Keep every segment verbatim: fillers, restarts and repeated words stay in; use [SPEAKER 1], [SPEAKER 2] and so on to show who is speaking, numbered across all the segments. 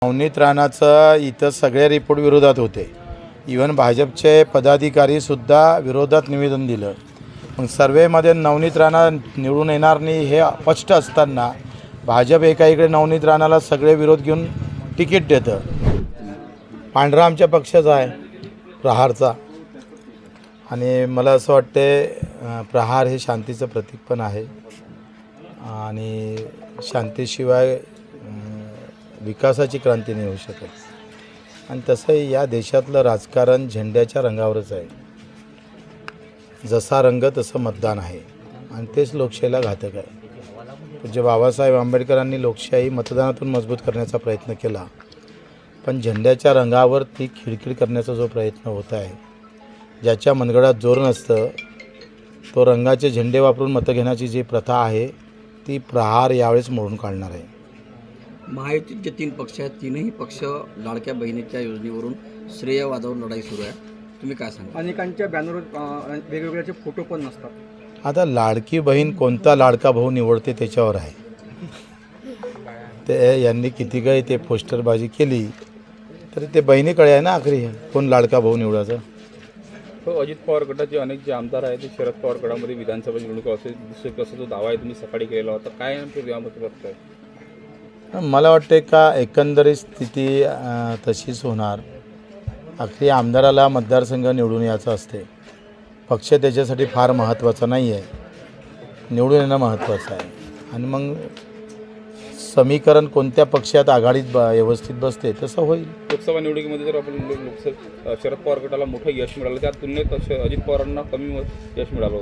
[SPEAKER 1] नवनीत राणाचं इथं सगळे रिपोर्ट विरोधात होते. इवन भाजपचे पदाधिकारीसुद्धा विरोधात निवेदन दिलं. मग सर्वेमध्ये नवनीत राणा निवडून येणार नाही हे स्पष्ट असताना भाजप एका इकडे नवनीत राणाला सगळे विरोध घेऊन तिकीट देतं. पांढरा आमच्या पक्षाचा आहे, प्रहारचा. आणि मला असं वाटते प्रहार हे शांतीचं प्रतीक पण आहे आणि शांतीशिवाय विकासाची क्रांती नाही होऊ शकत. आणि तसंही या देशातलं राजकारण झेंड्याच्या रंगावरच आहे. जसा रंग तसं मतदान आहे आणि तेच लोकशाहीला घातक आहे. पूज्य बाबासाहेब आंबेडकरांनी लोकशाही मतदानातून मजबूत करण्याचा प्रयत्न केला, पण झेंड्याच्या रंगावर ती खिळखिळ करण्याचा जो प्रयत्न होत आहे, ज्याच्या मनगडात जोर नसतं तो रंगाचे झेंडे वापरून मतं घेण्याची जी प्रथा आहे ती प्रहार यावेळेस मोडून काढणार आहे.
[SPEAKER 2] महायुतीत जे तीन पक्ष आहेत तीनही पक्ष लाडक्या बहिणीच्या योजनेवरून श्रेयवादावर लढाई सुरू आहे. तुम्ही काय सांगा?
[SPEAKER 3] अनेकांच्या बॅनरवर वेगवेगळ्याचे फोटो पण नसतात.
[SPEAKER 1] आता लाडकी बहीण कोणता लाडका भाऊ निवडते त्याच्यावर आहे. ते यांनी किती काही ते पोस्टरबाजी केली तरी ते बहिणीकडे आहे ना आखरी कोण लाडका भाऊ निवडायचा.
[SPEAKER 4] हो, अजित पवार गटाचे अनेक जे आमदार आहेत ते शरद पवार गटामध्ये विधानसभा निवडणूक असेल दुसरे कसं जो दावा आहे तुम्ही सकाळी केलेला होता, काय नेमकं यामध्ये बघताय?
[SPEAKER 1] मला वाटते का एकंदरीत स्थिती तशीच होणार. आखरी आमदाराला मतदारसंघ निवडून यायचं असते. पक्ष त्याच्यासाठी फार महत्त्वाचा नाही आहे, निवडून येणं महत्त्वाचं आहे. आणि मग समीकरण कोणत्या पक्षात आघाडीत ब व्यवस्थित बसते तसं होईल.
[SPEAKER 4] लोकसभा निवडणुकीमध्ये जर आपण लोकसभा शरद पवार गटाला मोठं यश मिळालं, त्या तुलनेत अजित पवारांना कमी यश मिळालं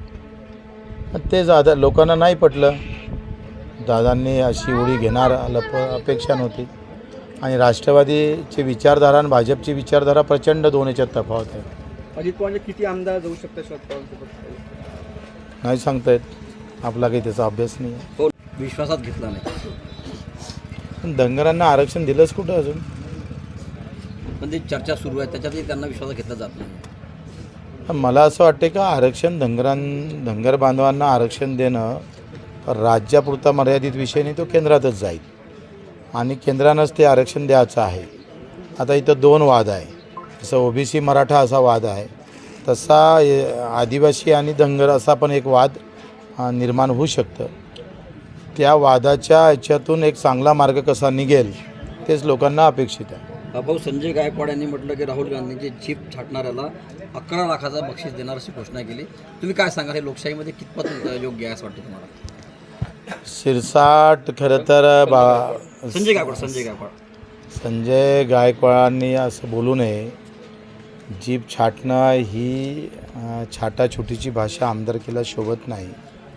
[SPEAKER 4] होतं.
[SPEAKER 1] ते दादा लोकांना नाही पटलं. दादांनी अशी उडी घेणार लप अपेक्षा नव्हती. आणि राष्ट्रवादीची विचारधारा आणि भाजपची विचारधारा प्रचंड दोन याच्यात तफावत आहे.
[SPEAKER 3] अजित पवारचे किती आमदार जाऊ शकतात शरद पवारांसोबत
[SPEAKER 1] नाही सांगता येत, आपला काही त्याचा अभ्यास नाही आहे.
[SPEAKER 2] हो, विश्वासात घेतला नाही.
[SPEAKER 1] पण धनगरांना आरक्षण दिलंच कुठं अजून?
[SPEAKER 2] पण ती चर्चा सुरू आहे, त्याच्यातही त्यांना विश्वासात घेतला जात नाही.
[SPEAKER 1] मला असं वाटते का आरक्षण धनगरां धनगर बांधवांना आरक्षण देणं राज्यापुरता मर्यादित विषय नाही, तो केंद्रातच जाईल आणि केंद्रानंच ते आरक्षण द्यायचं आहे. आता इथं दोन वाद आहे. जसं ओबीसी मराठा असा वाद आहे, तसा आदिवासी आणि धनगर असा पण एक वाद निर्माण होऊ शकतं. त्या वादाच्या याच्यातून एक चांगला मार्ग कसा निघेल तेच लोकांना अपेक्षित आहे.
[SPEAKER 2] भाऊ संजय गायकवाड यांनी म्हटलं की राहुल गांधींची जीप छाटणाऱ्याला अकरा लाखाचा बक्षीस देणार अशी घोषणा केली. तुम्ही काय सांगा, हे लोकशाहीमध्ये कितपत योग्य आहे असं वाटतं तुम्हाला?
[SPEAKER 1] शिरसाट खरं तर बा
[SPEAKER 2] संजय गायकवाड संजय गायकवाड
[SPEAKER 1] संजय गायकवाडांनी असं बोलू नये. जीप छाटणं ही छाटाछुटीची भाषा आमदारकीला शोभत नाही.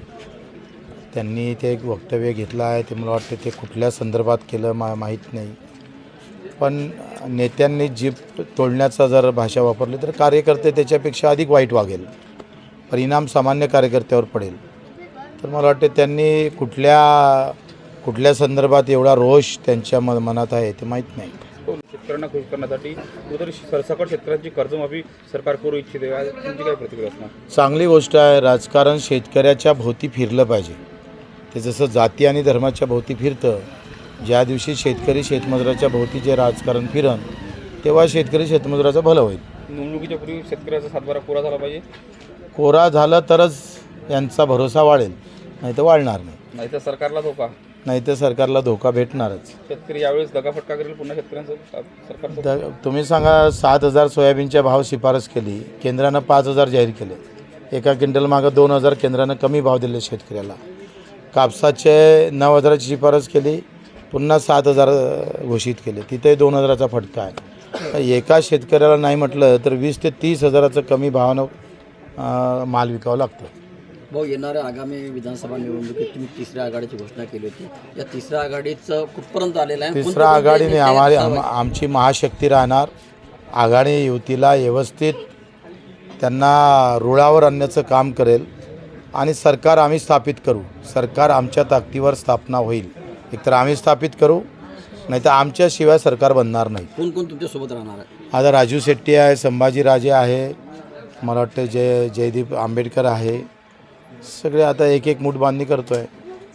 [SPEAKER 1] त्यांनी ते एक वक्तव्य घेतलं आहे, ते मला वाटतं ते कुठल्या संदर्भात केलं मा माहीत नाही. पण नेत्यांनी जीप तोडण्याचा जर भाषा वापरली तर कार्यकर्ते त्याच्यापेक्षा अधिक वाईट वागेल, परिणाम सामान्य कार्यकर्त्यावर पडेल. तर मला वाटते त्यांनी कुठल्या कुठल्या संदर्भात एवढा रोष त्यांच्या म मनात आहे ते माहीत नाही.
[SPEAKER 4] शेतकऱ्यांना खुश करण्यासाठी कुठेतरी सरसकट शेतकऱ्यांची कर्जमाफी सरकार करू इच्छिते, तुमची काय प्रतिक्रिया असणार?
[SPEAKER 1] चांगली गोष्ट आहे. राजकारण शेतकऱ्याच्या भोवती फिरलं पाहिजे. ते जसं जाती आणि धर्माच्या भोवती फिरतं, ज्या दिवशी शेतकरी शेतमजुराच्या भोवती जे राजकारण फिरण तेव्हा शेतकरी शेतमजुराचं भलं होईल.
[SPEAKER 4] निवडणुकीच्या पूर्वी शेतकऱ्याचा सातबारा कोरा झाला पाहिजे.
[SPEAKER 1] कोरा झाला तरच यांचा भरोसा वाढेल, नाही तर वाढणार नाही.
[SPEAKER 4] नाही तर सरकारला धोका,
[SPEAKER 1] नाही तर सरकारला धोका भेटणारच.
[SPEAKER 4] शेतकरी यावेळेस दगाफटका करेल पुन्हा शेतकऱ्यांचं सरकार.
[SPEAKER 1] द तुम्ही सांगा, सात हजार सोयाबीनच्या भाव शिफारस केली, केंद्रानं पाच हजार जाहीर केले. एका क्विंटल मागं दोन हजार केंद्रानं कमी भाव दिले शेतकऱ्याला. कापसाचे नऊ हजाराची शिफारस केली, पुन्हा सात हजार घोषित केले, तिथे दोन हजाराचा फटका आहे. एका शेतकऱ्याला नाही म्हटलं तर वीस ते तीस हजाराचं कमी भावानं माल विकावं लागतं.
[SPEAKER 2] भाऊ, येणाऱ्या आगामी विधानसभा निवडणुकीत तुम्ही तिसऱ्या आघाडीची घोषणा केली होती. या तिसऱ्या आघाडीचं कुठपर्यंत आलेलं आहे?
[SPEAKER 1] तिसऱ्या आघाडीने आम्हाला आम आमची महाशक्ती राहणार. आघाडी युतीला व्यवस्थित त्यांना रुळावर आणण्याचं काम करेल आणि सरकार आम्ही स्थापित करू. सरकार आमच्या ताकदीवर स्थापना होईल. एकतर आम्ही स्थापित करू, नाही तर आमच्याशिवाय सरकार बनणार नाही.
[SPEAKER 2] कोण कोण तुमच्यासोबत राहणार आहे?
[SPEAKER 1] आता राजू शेट्टी आहे, संभाजीराजे आहे, मला वाटतं जय जयदीप आंबेडकर आहे. सगळे आता एक एक मूठ बांधणी करतो आहे.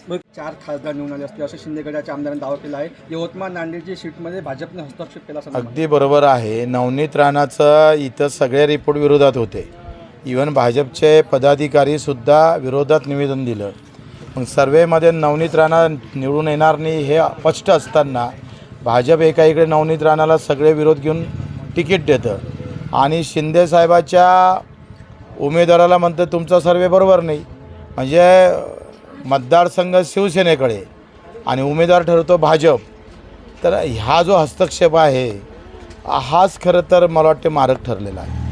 [SPEAKER 3] मग चार खासदार निवडून आले असतील असं शिंदे गटाच्या आमदारांनी दावा केला आहे. यवतमाळ नांदेडची सीटमध्ये भाजपने हस्तक्षेप केला असं म्हणतात.
[SPEAKER 1] अगदी बरोबर आहे. नवनीत राणाचं इथं सगळे रिपोर्ट विरोधात होते. इवन भाजपचे पदाधिकारीसुद्धा विरोधात निवेदन दिलं. मग सर्वेमध्ये नवनीत राणा निवडून येणार नाही हे स्पष्ट असताना भाजप एका इकडे नवनीत राणाला सगळे विरोध घेऊन तिकीट देतं आणि शिंदेसाहेबाच्या उमेदवाराला म्हणतं तुमचा सर्वे बरोबर नाही. म्हणजे मतदारसंघ शिवसेनेकडे आणि उमेदवार ठरवतो भाजप. तर हा जो हस्तक्षेप आहे हाच खरं तर मला वाटते मारक ठरलेला आहे.